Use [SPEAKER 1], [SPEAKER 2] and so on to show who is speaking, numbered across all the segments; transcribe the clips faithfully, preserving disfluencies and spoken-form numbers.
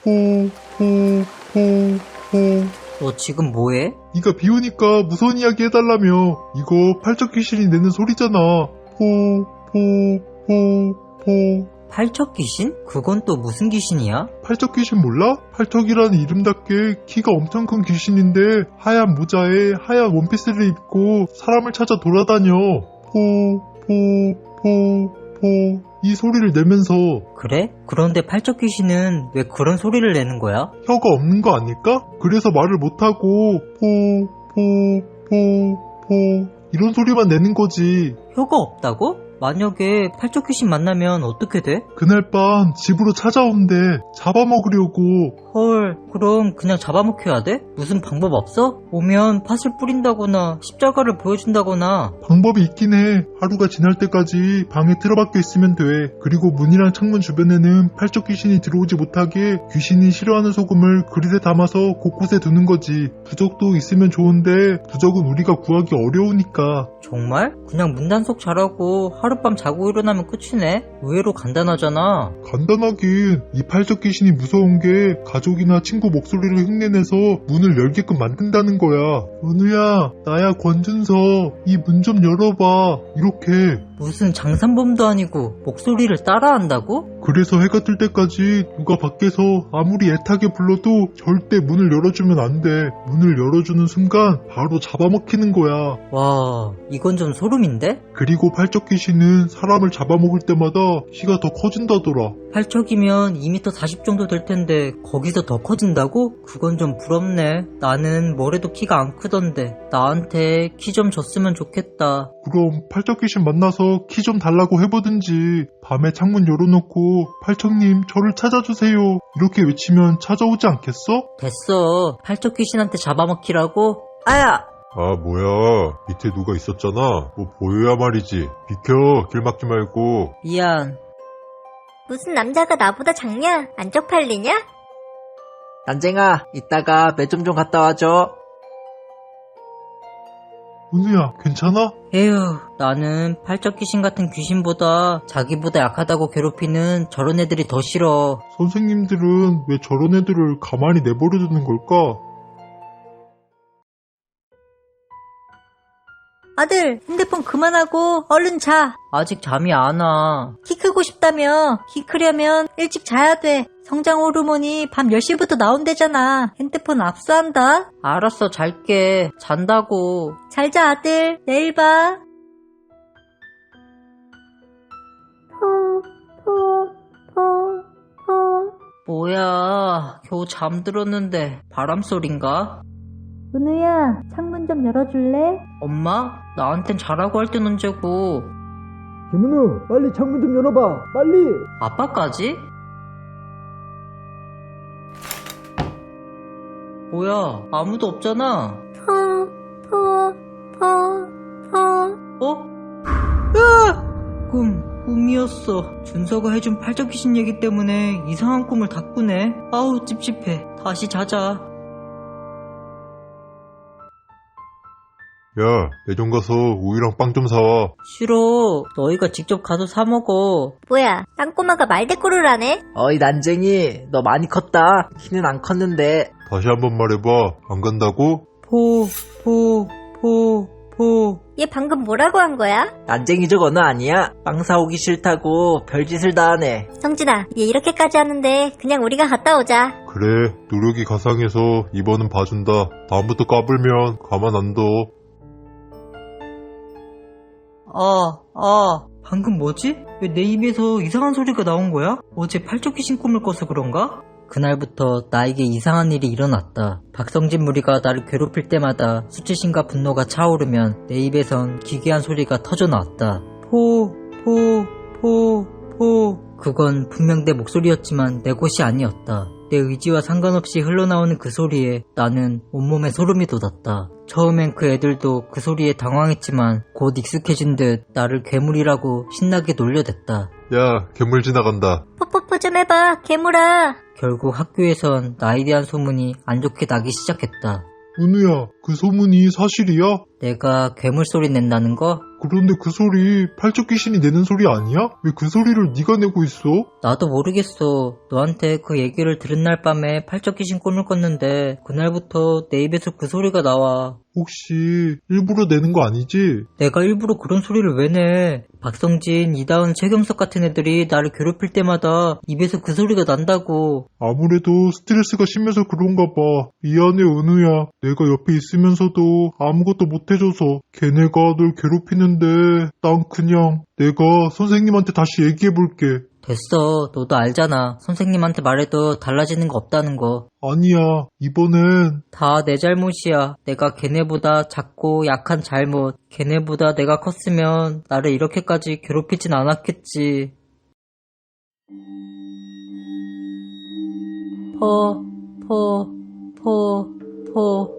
[SPEAKER 1] 호호호호.
[SPEAKER 2] 너 지금 뭐해?
[SPEAKER 1] 네가 비 오니까 무서운 이야기 해달라며. 이거 팔척 귀신이 내는 소리잖아. 호호호호.
[SPEAKER 2] 팔척 귀신? 그건 또 무슨 귀신이야?
[SPEAKER 1] 팔척 귀신 몰라? 팔척이라는 이름답게 키가 엄청 큰 귀신인데 하얀 모자에 하얀 원피스를 입고 사람을 찾아 돌아다녀. 포포포포 이 소리를 내면서.
[SPEAKER 2] 그래? 그런데 팔척 귀신은 왜 그런 소리를 내는 거야?
[SPEAKER 1] 혀가 없는 거 아닐까? 그래서 말을 못하고 포포포포 이런 소리만 내는 거지.
[SPEAKER 2] 혀가 없다고? 만약에 팔척 귀신 만나면 어떻게 돼?
[SPEAKER 1] 그날 밤 집으로 찾아온대. 잡아먹으려고.
[SPEAKER 2] 헐, 그럼 그냥 잡아먹혀야 돼? 무슨 방법 없어? 오면 팥을 뿌린다거나 십자가를 보여준다거나.
[SPEAKER 1] 방법이 있긴 해. 하루가 지날 때까지 방에 틀어박혀 있으면 돼. 그리고 문이랑 창문 주변에는 팔척 귀신이 들어오지 못하게 귀신이 싫어하는 소금을 그릇에 담아서 곳곳에 두는 거지. 부적도 있으면 좋은데 부적은 우리가 구하기 어려우니까.
[SPEAKER 2] 정말? 그냥 문단속 잘하고 하룻밤 자고 일어나면 끝이네? 의외로 간단하잖아.
[SPEAKER 1] 간단하긴. 이 팔척 귀신이 무서운 게 가족이나 친구 목소리를 흉내내서 문을 열게끔 만든다는 거야. 은우야, 나야 권준서. 이 문 좀 열어봐. 이렇게.
[SPEAKER 2] 무슨 장산범도 아니고 목소리를 따라한다고?
[SPEAKER 1] 그래서 해가 뜰 때까지 누가 밖에서 아무리 애타게 불러도 절대 문을 열어주면 안 돼. 문을 열어주는 순간 바로 잡아먹히는 거야.
[SPEAKER 2] 와, 이건 좀 소름인데?
[SPEAKER 1] 그리고 팔척 귀신은 사람을 잡아먹을 때마다 키가 더 커진다더라.
[SPEAKER 2] 팔척이면 이 미터 사십 정도 될 텐데 거기서 더 커진다고? 그건 좀 부럽네. 나는 뭐래도 키가 안 크던데 나한테 키 좀 줬으면 좋겠다.
[SPEAKER 1] 그럼 팔척 귀신 만나서 키 좀 달라고 해보든지. 밤에 창문 열어놓고 팔척님 저를 찾아주세요 이렇게 외치면 찾아오지 않겠어?
[SPEAKER 2] 됐어. 팔척 귀신한테 잡아먹히라고? 아야!
[SPEAKER 1] 아 뭐야, 밑에 누가 있었잖아. 뭐 보여야 말이지. 비켜, 길 막지 말고.
[SPEAKER 2] 미안.
[SPEAKER 3] 무슨 남자가 나보다 작냐? 안 쪽팔리냐?
[SPEAKER 2] 난쟁아, 이따가 매점 좀 갔다 와줘.
[SPEAKER 1] 은우야, 괜찮아?
[SPEAKER 2] 에휴, 나는 팔척 귀신 같은 귀신보다 자기보다 약하다고 괴롭히는 저런 애들이 더 싫어.
[SPEAKER 1] 선생님들은 왜 저런 애들을 가만히 내버려두는 걸까?
[SPEAKER 3] 아들, 핸드폰 그만하고 얼른 자.
[SPEAKER 2] 아직 잠이 안 와.
[SPEAKER 3] 키 크고 싶다며. 키 크려면 일찍 자야 돼. 성장 호르몬이 밤 열 시부터 나온대잖아. 핸드폰 압수한다.
[SPEAKER 2] 알았어, 잘게. 잔다고.
[SPEAKER 3] 잘 자, 아들. 내일 봐. 포, 포, 포, 포.
[SPEAKER 2] 뭐야, 겨우 잠들었는데 바람소린가?
[SPEAKER 3] 은우야, 창문 좀 열어줄래?
[SPEAKER 2] 엄마? 나한텐 자라고 할 땐 언제고.
[SPEAKER 4] 김은우, 빨리 창문 좀 열어봐. 빨리.
[SPEAKER 2] 아빠까지? 뭐야, 아무도 없잖아.
[SPEAKER 3] 포, 포, 포, 포.
[SPEAKER 2] 어? 으아! 꿈, 꿈이었어. 준서가 해준 팔척 귀신 얘기 때문에 이상한 꿈을 다 꾸네. 아우, 찝찝해. 다시 자자.
[SPEAKER 1] 야, 매점 가서 우유랑 빵 좀 사와.
[SPEAKER 2] 싫어. 너희가 직접 가서 사 먹어.
[SPEAKER 3] 뭐야, 땅꼬마가 말대꾸를 하네?
[SPEAKER 2] 어이, 난쟁이. 너 많이 컸다. 키는 안 컸는데.
[SPEAKER 1] 다시 한번 말해봐. 안 간다고?
[SPEAKER 2] 포, 포, 포, 포.
[SPEAKER 3] 얘 방금 뭐라고 한 거야?
[SPEAKER 2] 난쟁이 적 언어 아니야? 빵 사오기 싫다고 별짓을 다 하네.
[SPEAKER 3] 성진아, 얘 이렇게까지 하는데 그냥 우리가 갔다 오자.
[SPEAKER 1] 그래, 노력이 가상해서 이번은 봐준다. 다음부터 까불면 가만 안 둬.
[SPEAKER 2] 아, 아, 방금 뭐지? 왜 내 입에서 이상한 소리가 나온 거야? 어제 팔척 귀신 꿈을 꿔서 그런가? 그날부터 나에게 이상한 일이 일어났다. 박성진 무리가 나를 괴롭힐 때마다 수치심과 분노가 차오르면 내 입에선 기괴한 소리가 터져나왔다. 포, 포, 포, 포. 그건 분명 내 목소리였지만 내 것이 아니었다. 내 의지와 상관없이 흘러나오는 그 소리에 나는 온몸에 소름이 돋았다. 처음엔 그 애들도 그 소리에 당황했지만 곧 익숙해진 듯 나를 괴물이라고 신나게 놀려댔다.
[SPEAKER 1] 야, 괴물 지나간다.
[SPEAKER 3] 포포포 좀 해봐, 괴물아.
[SPEAKER 2] 결국 학교에선 나에 대한 소문이 안 좋게 나기 시작했다.
[SPEAKER 1] 은우야, 그 소문이 사실이야?
[SPEAKER 2] 내가 괴물 소리 낸다는 거?
[SPEAKER 1] 그런데 그 소리 팔척 귀신이 내는 소리 아니야? 왜 그 소리를 네가 내고 있어?
[SPEAKER 2] 나도 모르겠어. 너한테 그 얘기를 들은 날 밤에 팔척 귀신 꿈을 꿨는데 그날부터 내 입에서 그 소리가 나와.
[SPEAKER 1] 혹시 일부러 내는 거 아니지?
[SPEAKER 2] 내가 일부러 그런 소리를 왜 내? 박성진, 이다은, 최경석 같은 애들이 나를 괴롭힐 때마다 입에서 그 소리가 난다고.
[SPEAKER 1] 아무래도 스트레스가 심해서 그런가 봐. 미안해 은우야. 내가 옆에 있으면서도 아무것도 못해줘서 걔네가 널 괴롭히는데 난 그냥 내가 선생님한테 다시 얘기해볼게.
[SPEAKER 2] 됐어. 너도 알잖아. 선생님한테 말해도 달라지는 거 없다는 거.
[SPEAKER 1] 아니야. 이번엔
[SPEAKER 2] 다 내 잘못이야. 내가 걔네보다 작고 약한 잘못. 걔네보다 내가 컸으면 나를 이렇게까지 괴롭히진 않았겠지. 포, 포, 포, 포.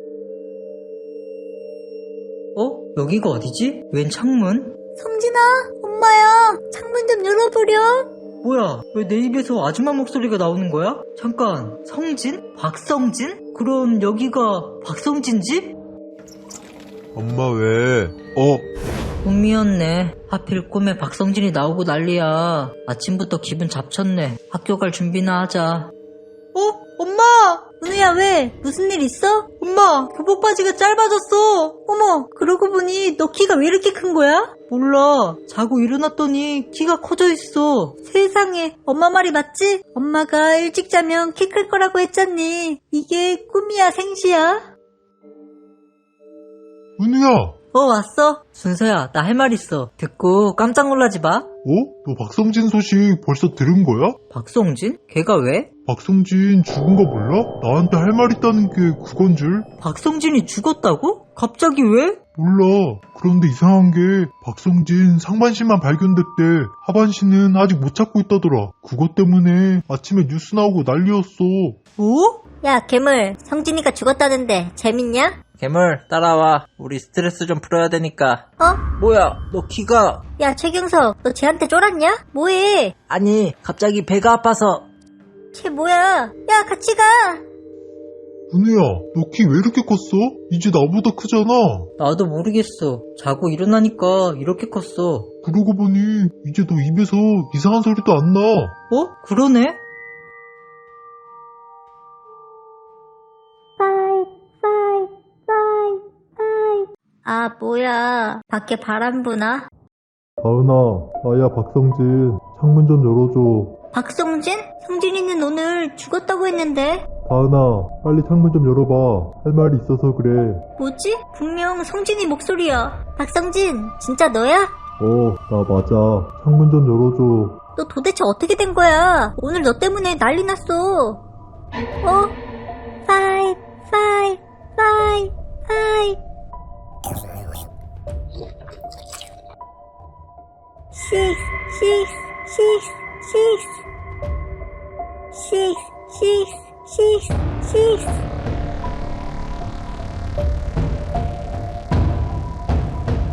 [SPEAKER 2] 어? 여기가 어디지? 웬 창문?
[SPEAKER 3] 성진아, 엄마야. 창문 좀 열어보렴.
[SPEAKER 2] 뭐야? 왜 내 입에서 아줌마 목소리가 나오는 거야? 잠깐, 성진? 박성진? 그럼 여기가 박성진 집?
[SPEAKER 1] 엄마 왜? 어?
[SPEAKER 2] 꿈이었네. 하필 꿈에 박성진이 나오고 난리야. 아침부터 기분 잡쳤네. 학교 갈 준비나 하자. 어? 엄마!
[SPEAKER 3] 은우야, 왜? 무슨 일 있어?
[SPEAKER 2] 엄마! 교복 바지가 짧아졌어!
[SPEAKER 3] 어머, 그러고 보니 너 키가 왜 이렇게 큰 거야?
[SPEAKER 2] 몰라. 자고 일어났더니 키가 커져 있어.
[SPEAKER 3] 세상에, 엄마 말이 맞지? 엄마가 일찍 자면 키 클 거라고 했잖니. 이게 꿈이야, 생시야?
[SPEAKER 1] 은우야!
[SPEAKER 2] 어, 왔어? 순서야, 나 할 말 있어. 듣고 깜짝 놀라지 마.
[SPEAKER 1] 어? 너 박성진 소식 벌써 들은 거야?
[SPEAKER 2] 박성진? 걔가 왜?
[SPEAKER 1] 박성진 죽은 거 몰라? 나한테 할 말 있다는 게 그건 줄?
[SPEAKER 2] 박성진이 죽었다고? 갑자기 왜?
[SPEAKER 1] 몰라. 그런데 이상한 게 박성진 상반신만 발견됐대. 하반신은 아직 못 찾고 있다더라. 그것 때문에 아침에 뉴스 나오고 난리였어.
[SPEAKER 2] 뭐?
[SPEAKER 3] 야, 괴물, 성진이가 죽었다는데 재밌냐?
[SPEAKER 2] 괴물, 따라와. 우리 스트레스 좀 풀어야 되니까.
[SPEAKER 3] 어?
[SPEAKER 2] 뭐야, 너 키가...
[SPEAKER 3] 야, 최경석, 너 쟤한테 쫄았냐? 뭐해?
[SPEAKER 2] 아니, 갑자기 배가 아파서...
[SPEAKER 3] 쟤 뭐야? 야, 같이 가!
[SPEAKER 1] 은우야, 너 키 왜 이렇게 컸어? 이제 나보다 크잖아.
[SPEAKER 2] 나도 모르겠어. 자고 일어나니까 이렇게 컸어.
[SPEAKER 1] 그러고 보니 이제 너 입에서 이상한 소리도 안 나.
[SPEAKER 2] 어? 그러네?
[SPEAKER 3] 아, 뭐야. 밖에 바람 부나?
[SPEAKER 1] 다은아, 나야 박성진. 창문 좀 열어줘.
[SPEAKER 3] 박성진? 성진이는 오늘 죽었다고 했는데.
[SPEAKER 1] 다은아, 빨리 창문 좀 열어봐. 할 말이 있어서 그래.
[SPEAKER 3] 뭐지? 분명 성진이 목소리야. 박성진, 진짜 너야?
[SPEAKER 1] 어, 나 맞아. 창문 좀 열어줘.
[SPEAKER 3] 너 도대체 어떻게 된 거야? 오늘 너 때문에 난리 났어. 어? 파이, 파이, 파이, 파이. 식스, 식스, 식스, 식스, 식스, 식스, 식스, 식스.